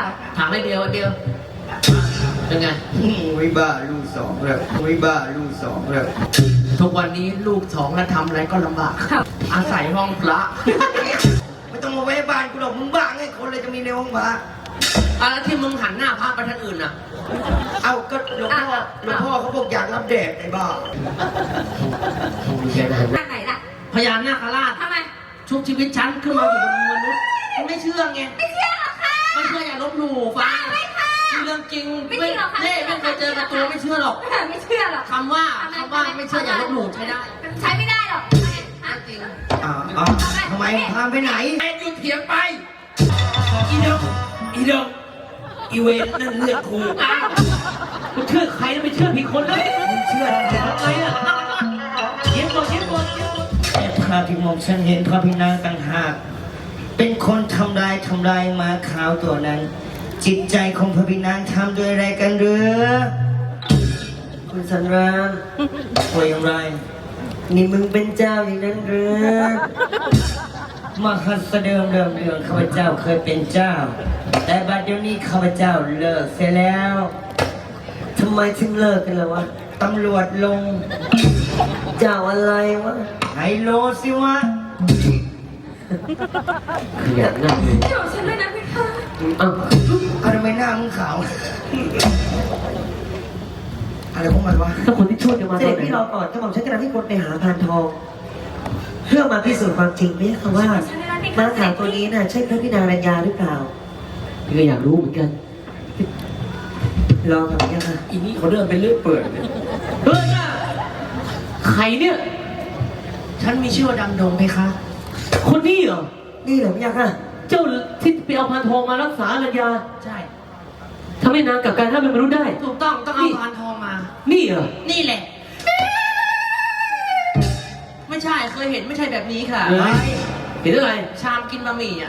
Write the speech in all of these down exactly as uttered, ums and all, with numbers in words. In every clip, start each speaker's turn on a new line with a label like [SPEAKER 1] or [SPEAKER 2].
[SPEAKER 1] ถามได้เดียวเดียวเป็นไง
[SPEAKER 2] วิบ้าลูกสองเลยวิบ้าลูกสองเลย
[SPEAKER 1] ทุกวันนี้ลูกสองแล้วทำอะไรก็ลำบากอาศัยห้องพระ
[SPEAKER 2] ไม่ต้องมาแวะบ้านกูหรอกมึงบ้าไงคนเลยจะมีในห้องพระ
[SPEAKER 1] อะแล้วที่มึงหันหน้าพระไปทางอื่นน่ะ
[SPEAKER 2] เอ้าก็หลวงพ่อหลวงพ่อเขาบอกอยากรับแดดไอ้บ้า
[SPEAKER 3] ทางไหนล่ะ
[SPEAKER 1] พญานาคราช
[SPEAKER 3] ทำไม
[SPEAKER 1] ชุบชีวิตฉันขึ้นมาอยู่บนมนุษย์ไม่เชื่อไง
[SPEAKER 3] ไม่เชื่อหรอกค่ะ
[SPEAKER 1] ไม่เชื่ออย่าลบหลู่ฟ้า
[SPEAKER 3] ไม่ค่ะ
[SPEAKER 1] เรื่องจริง
[SPEAKER 3] ไม่จริงหรอกค่ะ
[SPEAKER 1] เล่ไม่เคยเจอกับตัวไม่เชื่อหรอก
[SPEAKER 3] ไม่เชื่อหรอก
[SPEAKER 1] คำว่าคำว่าไม่เชื่ออย่าลบหลู่ใช้ได้
[SPEAKER 3] ใช้ไม่ได้หรอก
[SPEAKER 1] จริง
[SPEAKER 2] อ้าวอ้าวทำไมพาไปไหน
[SPEAKER 1] แอนยูเถียงไป
[SPEAKER 2] อีเดงอีเดงอีเวนนั่นเลือดครู
[SPEAKER 1] อ้าวกูเชื่อใครแล้วไม่เชื่อผิดคนเลย
[SPEAKER 2] มึงเชื่อทำไม
[SPEAKER 1] ทำไมอ่ะเย็นก่อนเย็นก่อนเย็นก่อน
[SPEAKER 2] แต่ภาพที่มองฉันเห็นพระพินางต่างหากเป็นคนทำลายทำลายม้าขาวตัวนั้น จิตใจของพระพินางทำด้วยอะไรกันหรือคุณสันรามว่าอย่างไร นี่มึงเป็นเจ้าอย่างนั้นหรือมหัสเดิมเดิมเดืองข้าพเจ้าเคยเป็นเจ้า แต่บัดเดี๋ยวนี้ข้าพเจ้าเลิกเสียแล้วทำไมถึงเลิกกันล่ะวะตำรวจลง เจ้าอะไรวะไฮโลสิวะ
[SPEAKER 1] ขยันนะ
[SPEAKER 3] เดี๋ยวฉันด้วยนะพี่ค่ะ
[SPEAKER 1] อ้าว
[SPEAKER 2] เอาทำไมหน้ามึงขาว อะไรพวกมันวะ
[SPEAKER 1] ถ้าคนที่ช่วยจะมา
[SPEAKER 4] เสด็จพี่รอก่อนถ้าผมฉันจะนำให้คนไปหาพานทอง เพื่อมาพิสูจน์ความจริงไหมคะว่าม้าขาวตัวนี้น่ะใช่พระพินารัญญาหรือเปล่า
[SPEAKER 1] พี่ก็อยากรู้เหมือนกัน
[SPEAKER 4] รอกับเนี่ยค่ะ
[SPEAKER 1] อีนี่เขาเดินไปเรื่อยเปื่อยเฮ้ยใครเนี่ย ฉันมีชื่อว่าดำดงไหมคะ คนนี้เหรอ
[SPEAKER 4] นี่เหรอเนี่ยค่ะ
[SPEAKER 1] เจ้าที่ไปเอาพานทองมารักษาอรัญญาใช่ทำให้นางกลับกลายถ้าเป็นมนุษย์ได้ ถูกต้องต้องเอาพานทองมา นี่เหรอ นี่แหละ ไม่ใช่เคยเห็นไม่ใช่แบบนี้ค่ะ
[SPEAKER 2] เฮ้ย
[SPEAKER 1] เห็นอะไร ชามกินบะหมี่อ่ะ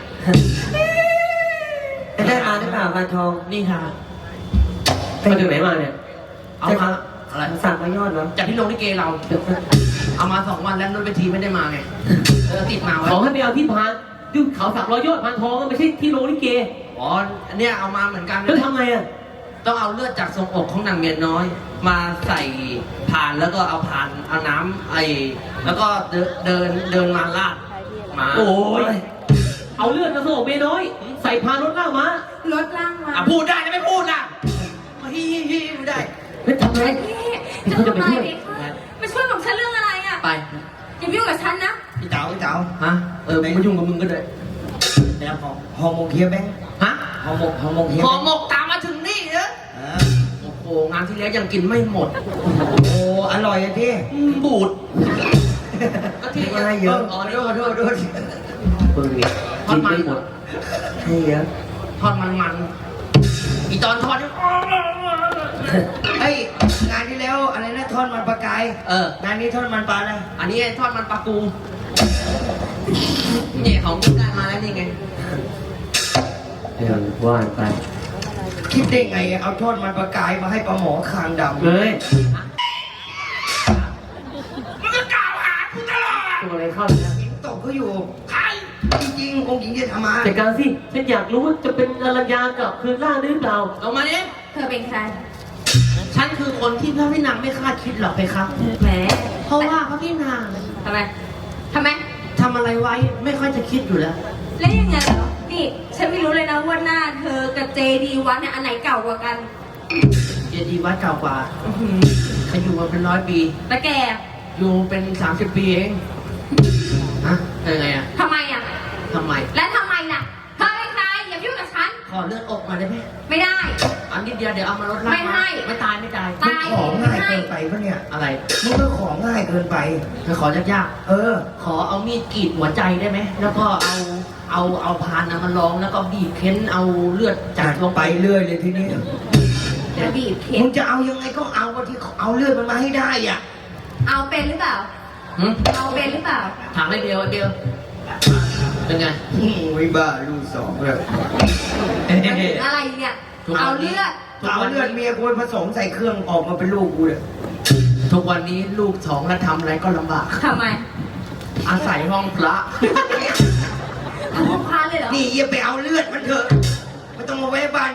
[SPEAKER 4] จะได้มาหรือเปล่าพานทอง
[SPEAKER 1] นี่ค่ะมาจากไหนมาเนี่ย เอามาอะไร
[SPEAKER 4] สั่งมายอดเหรอ
[SPEAKER 1] จากที่โรงลิเกเรา เอามาสองวันแล้วนนเวทีไม่ได้มาไง เออติดมาไว้
[SPEAKER 5] ขอให้ไปเอาที่พานดูเขาสามร้อยยอดพานทองก็ไม่ใช่ที่โรงลิเก
[SPEAKER 1] อ๋ออันเนี้ยเอามาเหมือนกัน
[SPEAKER 5] แล้วทำไงอ่ะ
[SPEAKER 1] ต้องเอาเลือดจากทรงอกของนางเมียน้อย มาใส่พานแล้วก็เอาพานเอาน้ำไอ้แล้วก็เดินเดินเดินมาลาดมา
[SPEAKER 5] โอ้ยเอาเลือดมาส่งเมน้อย ใส่พานรถล่างมาร
[SPEAKER 3] ถล่างมา
[SPEAKER 1] อ่ะพูดได้นะไม่พูดล่ะฮิฮิฮิไม่ได้
[SPEAKER 5] เฮ้ยทำไง
[SPEAKER 3] พี่จะทำอะไรดีคะมาช่วยของฉันเรื่องอะไรอ่ะ
[SPEAKER 1] ไป
[SPEAKER 3] อย่ายุ่งกับฉันนะ
[SPEAKER 2] พี่เต๋าพี่เต๋า
[SPEAKER 1] ฮะเออมึงมายุ่งกับมึงก็ได้
[SPEAKER 2] แล้วของฮอร์โมนเฮียแบงค์
[SPEAKER 1] ฮะ
[SPEAKER 2] ฮอร์โมนฮอร์โมนเฮีย
[SPEAKER 1] ข
[SPEAKER 2] แบ
[SPEAKER 1] อง หมกตามมาถึงนี่เนอะ
[SPEAKER 2] อ่า
[SPEAKER 1] โอ้โหงานที่แล้วยังกินไม่หมด
[SPEAKER 2] โอ้อร่อยอะพี่
[SPEAKER 1] อืมบูดก็ที่
[SPEAKER 2] ไม่ให้เยอะ
[SPEAKER 1] อ๋อโทษโทษโทษ
[SPEAKER 5] เปิดนี่
[SPEAKER 1] ทอ
[SPEAKER 5] กิ
[SPEAKER 1] ด
[SPEAKER 5] น
[SPEAKER 1] มัน
[SPEAKER 5] ไม่หมด
[SPEAKER 4] ให้เยอะ
[SPEAKER 1] ทอดมันมันอีตอนทอดนี่
[SPEAKER 2] เฮ้ยงานที่แล้วอะไรนะทอดมันปลากาย
[SPEAKER 1] เออ
[SPEAKER 2] งานนี้ทอดมันปลาอะไร
[SPEAKER 1] อันนี้ทอดมันปลากูเนี่ยของกูได้มาแล้วนี่ไง
[SPEAKER 5] เออว่าไป
[SPEAKER 2] คิดได้ไงเอาทอดมันปลากายมาให้ปลาหมอคางดำ
[SPEAKER 5] เฮ้ย
[SPEAKER 1] มึงก็กล่าวหากูตลอด
[SPEAKER 5] ตัวอะไรเข้าเนี่ย
[SPEAKER 2] หญิงตกเขาอยู่
[SPEAKER 1] ใคร
[SPEAKER 2] จริงๆองค์หญิงจะทำมา
[SPEAKER 5] จัดการสิฉันอยากรู้ว่าจะเป็นอรัญญากับคืนล่างหรือเปล่า
[SPEAKER 1] ลงมาเนี่ย
[SPEAKER 3] เธอเป็นใคร
[SPEAKER 1] ฉันคือคนที่พระพี่นางไม่คาดคิดหรอกไปครับ
[SPEAKER 3] แหม
[SPEAKER 1] เพราะว่าพระพี่นาง
[SPEAKER 3] ทำไมทำไม
[SPEAKER 1] ทำอะไรไว้ไม่ค่อยจะคิดอยู่แล้ว
[SPEAKER 3] แล้วยังไงเหรอ นี่ ฉันไม่รู้เลยนะว่าหน้าเธอกับเจดีวัดเนี่ยอันไหนเก่ากว่ากัน
[SPEAKER 1] เจดีย์วัดเก่ากว่าเขาอยู่มาเป็นร้อยปี
[SPEAKER 3] แล้วแก
[SPEAKER 1] อยู่เป็นสามสิบปีเองฮะยังไงอ่ะ
[SPEAKER 3] ทำไมอ่ะ
[SPEAKER 1] ทำไม
[SPEAKER 3] และทำไมล่ะ เธอเป็นใครอย่ายุ่งกับฉัน
[SPEAKER 1] ขอเลือดอกมาได้ไหม
[SPEAKER 3] ไม่ได้
[SPEAKER 1] อันนิดเดียวเดี๋ยวเอามาลดล่าง
[SPEAKER 3] ไม่ให้
[SPEAKER 1] ไม่ตายไม่ตาย
[SPEAKER 3] ตาย
[SPEAKER 2] ของง่ายเกินไปปะเนี่ย
[SPEAKER 1] อะไร
[SPEAKER 2] มึงก็ของง่ายเกินไป
[SPEAKER 1] ไปขอยาก
[SPEAKER 2] เออ
[SPEAKER 1] ๆขอเอามีดกรีดหัวใจได้ไหมแล้วก็เอาเอาเอาพานนะมาลองแล้วก็บีบเค้นเอาเลือดจา
[SPEAKER 2] จั
[SPEAKER 1] ก
[SPEAKER 2] ด
[SPEAKER 1] ล
[SPEAKER 2] ล
[SPEAKER 1] ง
[SPEAKER 2] ง
[SPEAKER 1] ไป
[SPEAKER 2] ไปเรื่อยเลยทีนี้
[SPEAKER 3] จะบีบเข็
[SPEAKER 2] มึ
[SPEAKER 3] ม
[SPEAKER 2] งจะเอายังไงก็เอาว่าที่เอาเลือดมันมาให้ได้อ่ะ
[SPEAKER 3] เอาเป็นหรือเปล่า
[SPEAKER 1] หึ
[SPEAKER 3] เอาเป็นหรือเปล่า
[SPEAKER 1] ถามได้เดียวเดียวเป็นไง
[SPEAKER 2] วิบ้าลูกสองเลย
[SPEAKER 3] อะไรเนี่ย เอาเลือด
[SPEAKER 2] เอาเลือดเมียกูไปผสมใส่เครื่องออกมาเป็นลูกกูเลย
[SPEAKER 1] ทุกวันนี้ลูกสองแล้วทำอะไรก็ลำบาก
[SPEAKER 3] ทำไม
[SPEAKER 1] อาศัยห้องพระ
[SPEAKER 3] เอาพวกพาเลยเหรอ
[SPEAKER 2] นี่อย่าไปเอาเลือดมันเถอะไม่ต้องมาแวะบ้าน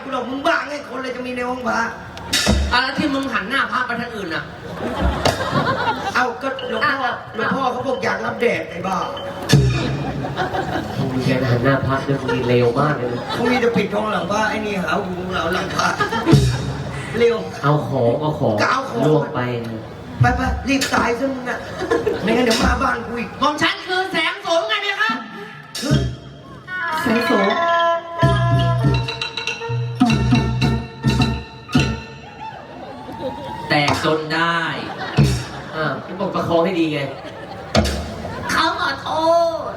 [SPEAKER 2] มีในห้องพระ
[SPEAKER 1] อ่ะแล้วที่มึงหันหน้าพระไปทางอื่นน่ะ
[SPEAKER 2] เอาก็หลวงพ่อหลวงพ่อเขาบอกอยากรับแดดไอ้บ้า
[SPEAKER 5] มึงแกหันหน้าพักด้วยมึงนี่เร็วมากเลย
[SPEAKER 2] เขามีจะปิดทองหลังพระไอ้นี่หาหูเหลาหลังพระเร็ว
[SPEAKER 5] เอาของเอาของ
[SPEAKER 2] ก็เอาของ
[SPEAKER 5] ล่วงไป
[SPEAKER 2] ไปไปรีบตายซะมึงอ่ะไม่งั้นเดี๋ยวมาบ้านกูอีก
[SPEAKER 1] ของฉันคือแสงสูงไงเนี่ยครับ
[SPEAKER 2] คือแสงโสม
[SPEAKER 1] แตกจนได้
[SPEAKER 5] อ่าพี่บอกประคองให้ดีไง
[SPEAKER 3] เขาขอโทษ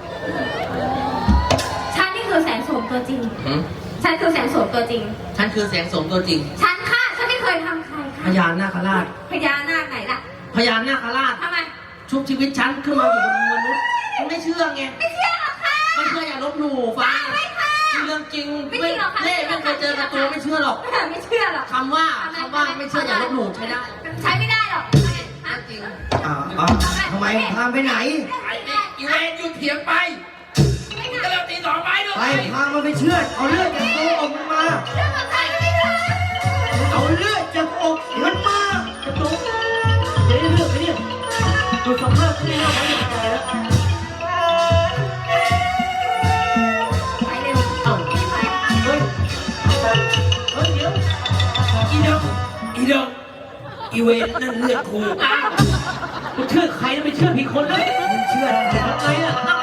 [SPEAKER 3] ฉันนี่คือแสงโสมตัวจริง
[SPEAKER 1] หืม
[SPEAKER 3] ฉันคือแสงโสมตัวจริง
[SPEAKER 1] ฉันคือแสงสูงตัวจริง
[SPEAKER 3] ฉันค่ะ ฉันไม่เคยทำใคร
[SPEAKER 1] พ
[SPEAKER 3] ค่ะ
[SPEAKER 1] ญานาคราช
[SPEAKER 3] พญานาคไหนล่ะ
[SPEAKER 1] พญานาคราช
[SPEAKER 3] ทำไม
[SPEAKER 1] ชุบชีวิตฉันขึ้นมาอยู่บนมนุษย์มันไม่เชื่อไง
[SPEAKER 3] ไม่เชื่อหรอกค่ะ
[SPEAKER 1] ไม่เชื่ออย่าลบหลู่ฟัง
[SPEAKER 3] ไม่ค่ะ
[SPEAKER 1] เรื่องจริง
[SPEAKER 3] ไม่จริงหรอกค่ะ
[SPEAKER 1] เล่ไม่เคยเจอกับตัวไม่เชื่อหรอก
[SPEAKER 3] ไม่เชื่อหรอก
[SPEAKER 1] คำว่าคำว่าไม่เชื่ออย่าลบหลู่ใช้ได้
[SPEAKER 3] ใช้ไม่ได้หรอกฮะ
[SPEAKER 1] จริง
[SPEAKER 2] อ่าอ่าทำไมพาไปไหน
[SPEAKER 1] ไอ้นี่อีเวนหยุดเถียงไปก็เร็วตีสองไม้ด้วย
[SPEAKER 2] ไปพามันไปเชื่อดเอาเลือดจากตัวอกมันมา
[SPEAKER 3] เรื่องของใครไม่ได้
[SPEAKER 2] เอาเลือดจากอกมันมา
[SPEAKER 5] จะตุ๊กจะได้เลือกไหมเนี่ยดูสภาพที่นี่แล้วมันยังไงแล้ว
[SPEAKER 3] ไปเร็ว
[SPEAKER 5] เอ้า
[SPEAKER 3] รีบไป
[SPEAKER 5] เฮ้ยเฮ้ยเดี๋ยว
[SPEAKER 1] อีเดงอีเดงอีเวนนั่นเลือดครู
[SPEAKER 5] อ้าวกูเชื่อใครแล้วไปเชื่อผิดคนแล้ว
[SPEAKER 2] มึงเชื่อ
[SPEAKER 5] ทำไงอ่ะ